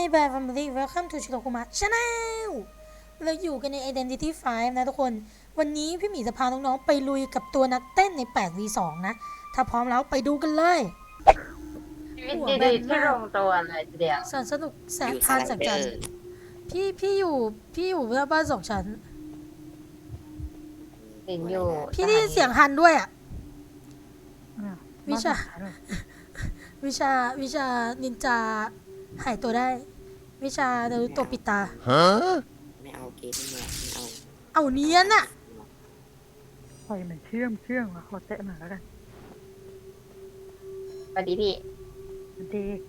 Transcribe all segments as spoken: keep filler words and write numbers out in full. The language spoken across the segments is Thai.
Bye Family Welcome to ชิโรคุมะ Channel เราอยู่กันใน Identity ไฟว์ นะทุกคนวันนี้พี่หมีจะพาน้องๆไปลุยกับตัวนักเต้นใน แปด วี สอง นะถ้าพร้อมแล้วไปดูกันเลยชีวิตดีๆที่ลงตัวเลยทีเดียวสนสนุกแสนทานแสนจันพี่พี่อยู่พี่อยู่หน้าบ้านสองชั้นสิงอยู่พี่ได้ยินเสียงฮันด้วยอ่ะวิชาวิชาวิชานินจาหายตัวได้วิชาเดรุโตะปิดตาฮะไม่เอาเกมไม่เอาเอาเนียนอะปล่อยมันเชื่อมเชื่อมอะขอแตะหน่อยแล้วกันสวัสดีพี่มันเด็ก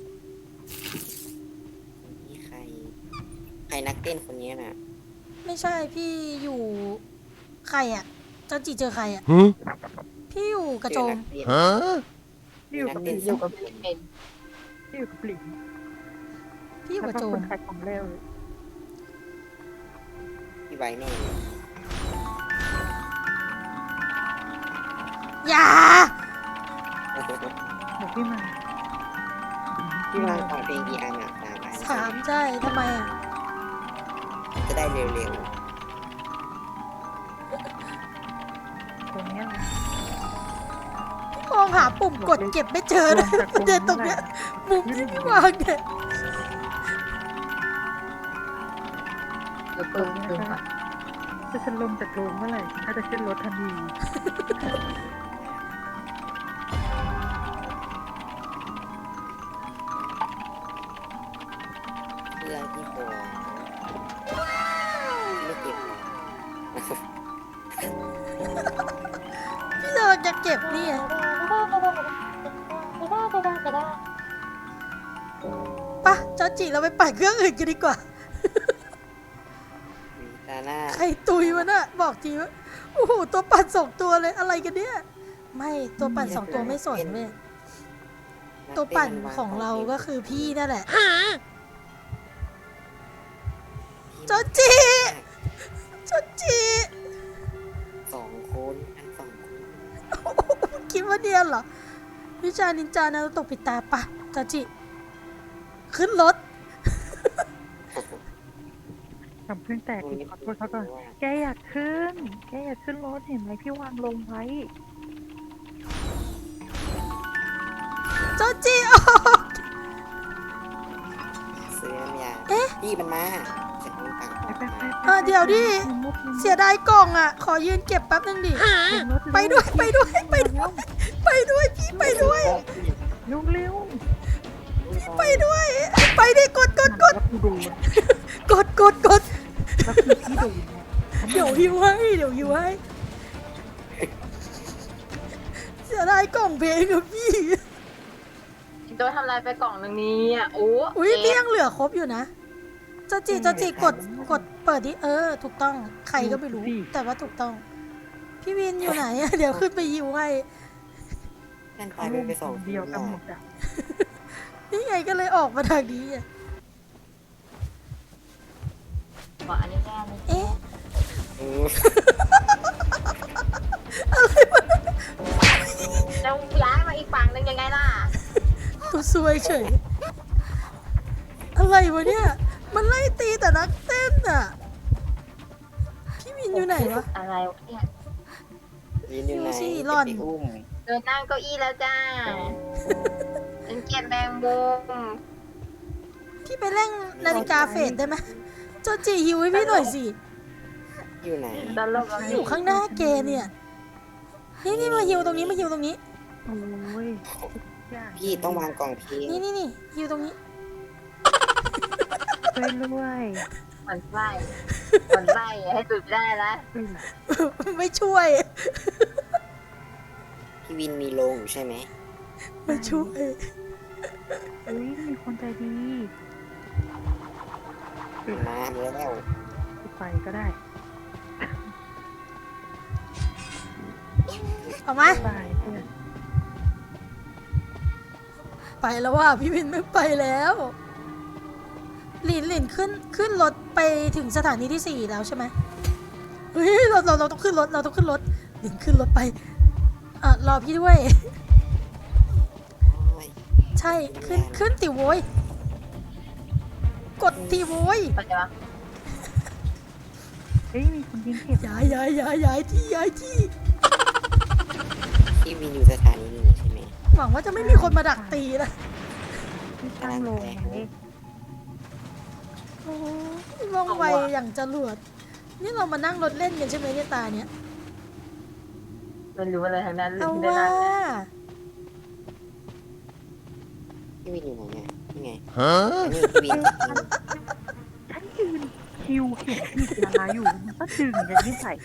นี่ใครใครนักเต้นคนนี้น่ะไม่ใช่พี่อยู่ใครอะเจ้าจีเจอใครอะพี่อยู่กระโจมฮะพี่อยู่กับหลิงอยู่กับพี่เป็นพี่อยู่กับหลิงพี่อยู่กระโจมขายของเร็วพี่ไว้แน่เลยอย่าเดี๋ยวพี่มาพี่วางก่อนเพลงกี่อันอ่ะตามไปสามใช่ทำไมอะจะได้เร็วตรงนี้นะมองหาปุ่มกดเก็บไม่เจอเลยเดินตรงเนี้ยมุมที่พี่วางเนี่ยเดี๋ยวเปิดดูก่อนถ้าฉันลงจากโรงเมื่อไหร่ถ้าจะขึ้นรถทันทีๆเพื่อนที่โผล่ไม่เก็บพี่เราจะเก็บนี่อะปะเจ้าจีเราไปปั่นเครื่องอื่นกันดีกว่าตาหน้าใครตุยวะน่ะบอกทีว่าโอ้โหตัวปั่นสองตัวเลยอะไรกันเนี่ยไม่ตัวปั่นสองตัวไม่สนเว้ยตัวปั่นของเราก็คือพี่นั่นแหละจอจีจอจีสองคนอันสองคนคิดว่าเดียนเหรอวิชานินจานารุโตะปิดตาปะจอจีขึ้นรถทำเพิ่งแตกขอโทษเขาก่อนแกอยากขึ้นแกอยากขึ้นรถเห็นไหมพี่วางลงไว้จอจีออกเสื้อน้ำยาเอ๊ะพี่มันมาจะต้องตังค์ไปไปไปเออเดี๋ยวดิเสียดายกล่องอ่ะขอยืนเก็บแป๊บนึงดิไปด้วยไปด้วยไปด้วยไปด้วยพี่ไปด้วยเร็วเร็วไปด้วยไปดิกดกดกดพี่ดูกดกดกดแล้วคือพี่ดูเดี๋ยวหิวให้เดี๋ยวหิวให้เสียดายกล่องเพลงกับพี่โดนทำลายไปกล่องหนึ่งนี้อ่ะโอ้อุ้ยพี่ยังเหลือครบอยู่นะเจ้าจีเจ้าจีกดกดเปิดดิเออถูกต้องใครก็ไม่รู้แต่ว่าถูกต้องพี่วินอยู่ไหนอะเดี๋ยวขึ้นไปหิวให้นั่นตายไปสองเดียวกันหมดอ่ะนี่ไงก็เลยออกมาทางนี้อะบอกอันนี้แน่เลยเอ๊ะเออแล้วย้ายมาอีกฝั่งหนึ่งยังไงล่ะตัวซวยเฉยอะไรวะเนี่ยมันไล่ตีแต่นักเต้นอ่ะพี่วินอยู่ไหนวะอะไรวะเนี่ยยืนอยู่ไหนดูสิหล่อนจะไปอุ้มเดินนั่งเก้าอี้แล้วจ้าเป็นเกียรแมงมุมพี่ไปเร่งนาฬิกาเฟดได้ไหมเจ้าจีหิวให้พี่หน่อยสิอยู่ไหนตลกอยู่ข้างหน้าเกเนี่ย นี่นี่มาหิวตรงนี้มาหิวตรงนี้โอ้ยพี่ต้องวางกล่องเพลงนี่นี่นี่หิวตรงนี้ช่วยด้วยเหมือนไส้เหมือนไส้ให้สุดได้ละไม่ช่วยพี่วินมีโรงอยู่ใช่ไหมไม่ช่วยเฮ้ยมีคนใจดีมาแล้วไปก็ได้เอามาไปเพื่อนไปแล้วว่าพี่วินไม่ไปแล้วหลินหลินขึ้นขึ้นรถไปถึงสถานีที่สี่แล้วใช่ไหมเฮ้ยเราเราเราต้องขึ้นรถเราต้องขึ้นรถหลินขึ้นรถไปอ่ะรอพี่ด้วยโอ้ยใช่ขึ้นขึ้นติโว้ยกดทีโว้ยไปเลยวะเฮ้ยมีคนยิงเห็บย้ายย้ายย้ายย้ายที่ย้ายที่พี่วินอยู่สถานีนี้ใช่ไหมหวังว่าจะไม่มีคนมาดักตีนะที่ตั้งโลงไว้โอ้ยว่องไวอย่างจรวดนี่เรามานั่งรถเล่นกันใช่ไหมเนี่ยตาเนี่ยไม่รู้อะไรทั้งนั้นเลยเอาที่ได้ว่านั่งพี่วินอยู่ไหนเนี่ยนี่ไงอันนี้พี่วินฉันยืนคิวเห็นผิดเวลาอยู่มันก็ดึงจะยิ่งใส่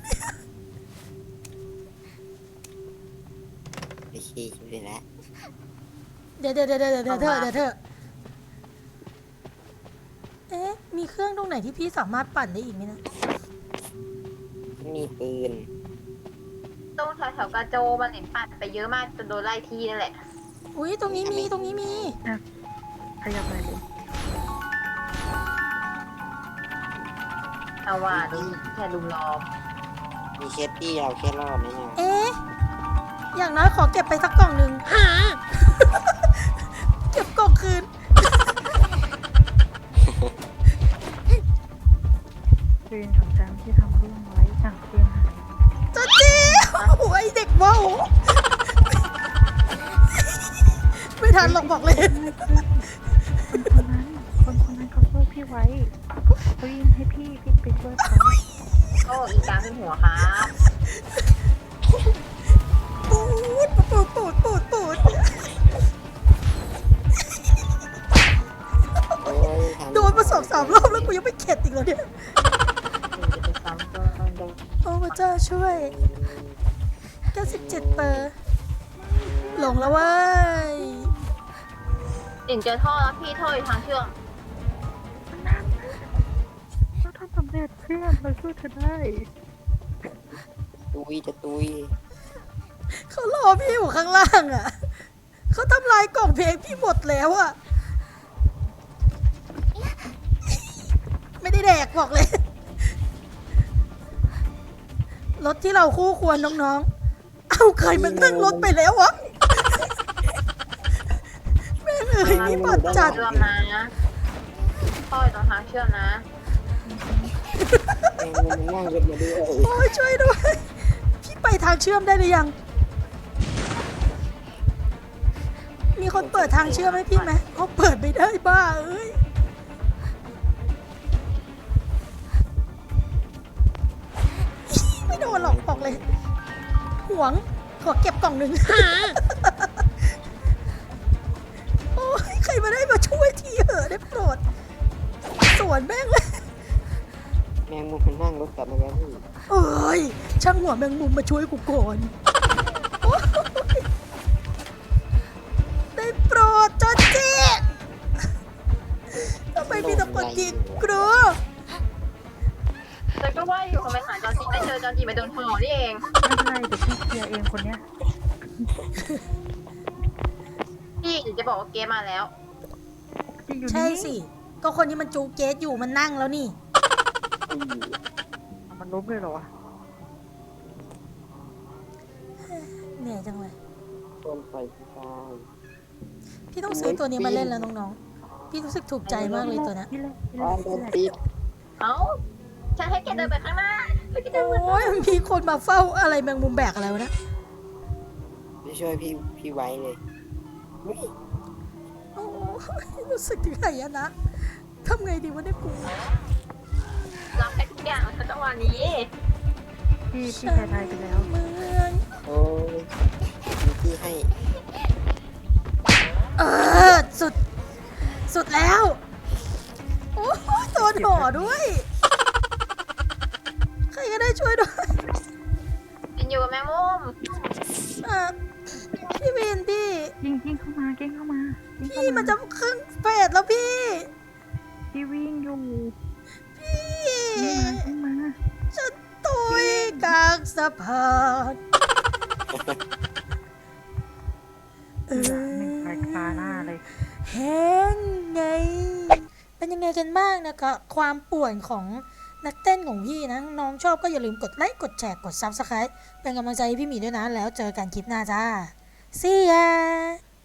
ไปขี้คิวเลยแล้วเดี๋ยวเดี๋ยวเดี๋ยวเดี๋ยวเดี๋ยวเธอเดี๋ยวเธอเอ๊ะมีเครื่องตรงไหนที่พี่สามารถปั่นได้อีกไหมนะมีปืนตรงแถวๆกระโจมันเห็นปัดไปเยอะมากจนโดนไล่ที่นั่นแหละอุ้ยตรงนี้มีตรงนี้มีขยับไปเลยเอาว่านี่แค่ลุมล้อมมีเคสที่เราแค่รอดนะเนี่ยเอ๊ะอย่างน้อยขอเก็บไปสักกล่องหนึ่ง เก็บกล่องคืนเรียนของจำที่ทำเรื่องไว้สั่งเตรียมหายจะจีโอ้ยเด็กว่าวไม่ทันหรอกบอกเลยคนคนนั้นคนคนนั้นเขาช่วยพี่ไว้เขายิงให้พี่พี่ไปช่วยเขาโอ้อีกลางขึ้นหัวครับปูดปูดปูดปูดปูดโอ้ยทำโดนมาสองสามรอบแล้วกูยังไม่เข็ดอีกแล้วเนี่ยถึงจะไปซ้ำก็โดนโอ้พระเจ้าช่วยเก้าสิบเจ็ดเปอร์หลงแล้วเว้ยถึงเจอท่อแล้วพี่ท่ออยู่ทางเชื่อมเราทำสำเร็จเพื่อนเราช่วยเธอได้ตุยจะตุยเขารอพี่อยู่ข้างล่างอ่ะเขาทำลายกล่องเพลงพี่หมดแล้วอ่ะไม่ได้แดกบอกเลย รถที่เราคู่ควรน้องๆ เอาใครมันนั่งรถไปแล้ววะ แม่งเอ้ยนี่บัดจัดเชื่อมนะท่ออยู่ตรงทางเชื่อมนะแมงมุมมันนั่งรถมาด้วยโอ้ยช่วยด้วย พี่ไปทางเชื่อมได้หรือยัง มีคนเปิดทางเชื่อมให้พี่ไหมเขาเปิดไม่ได้บ้าเอ้ย ไม่โดนหรอกบอกเลย หวง ขอเก็บกล่องหนึ่ง โอ้ยใครมาได้มาช่วยทีเหอะได้โปรด สวนแม่งเลยแมงมุมมันนั่งรถกลับมาแล้วพี่เอ้ย ช่างหัวแมงมุมมาช่วยกูก่อนโอ๊ยได้โปรดจอจีทำไมมีแต่คนยิงกลัวแต่ก็ว่าอยู่ทำไมหาจอนจีไม่เจอจอนจีไปโดนท่อนี่เองไม่เป็นไรเดี๋ยวพี่เคลียร์เองคนเนี้ยพี่เดี๋ยวจะบอกว่าเกมมาแล้วที่อยู่ใช่นี่สิ ก็คนที่มันจูเกตอยู่มันนั่งแล้วนี่เอามันล้มเลยเหรอวะเหนื่อยจังเลยต้นไฟที่ตายพี่ต้องซื้อตัวนี้มาเล่นแล้วน้องๆ พี่รู้สึกถูกใจมากเลยตัวเนี้ยพี่เล่นพี่บ้าเล่นนโดพี่นเล่นติดเอ้า ฉันให้แกเดินไปข้างหน้าแล้วแกเดินมาโอ้ยมีคนมาเฝ้าอะไรแมงมุมแบกอะไรวะนะไม่ช่วยพี่พี่ไว้เลยอุ๊ยโอ้ยรู้สึกถึงไหนอะนะทำไงดีวะเนี่ยกูรับให้ทุกอย่างในจังหวะนี้พี่พี่แพ้ทายไปแล้วเหมือนโอ้ยมีที่ให้เออสุด สุดแล้ว โอ้ยโดนห่อด้วย ใครก็ได้ช่วยด้วยกินอยู่กับแมงมุมอ่ะพี่วินพี่ยิงยิงเข้ามาเก่งเข้ามายิงเข้าพี่มันจะครึ่งเฟสแล้วพี่พี่วิ่งอยู่พี่ยิงมายิงมาฉันตุยกลางสะพานเอเหลือหนึ่งอรายคาหน้าเลยแห้งไง เป็นยังไงกันบ้างนะคะความป่วนของนักเต้นของพี่นะ น้องชอบก็อย่าลืมกดไลค์ กดแชร์ กด ซับสไครบ์ เป็นกำลังใจให้พี่หมีด้วยนะ แล้วเจอกันคลิปหน้าจ้า See ya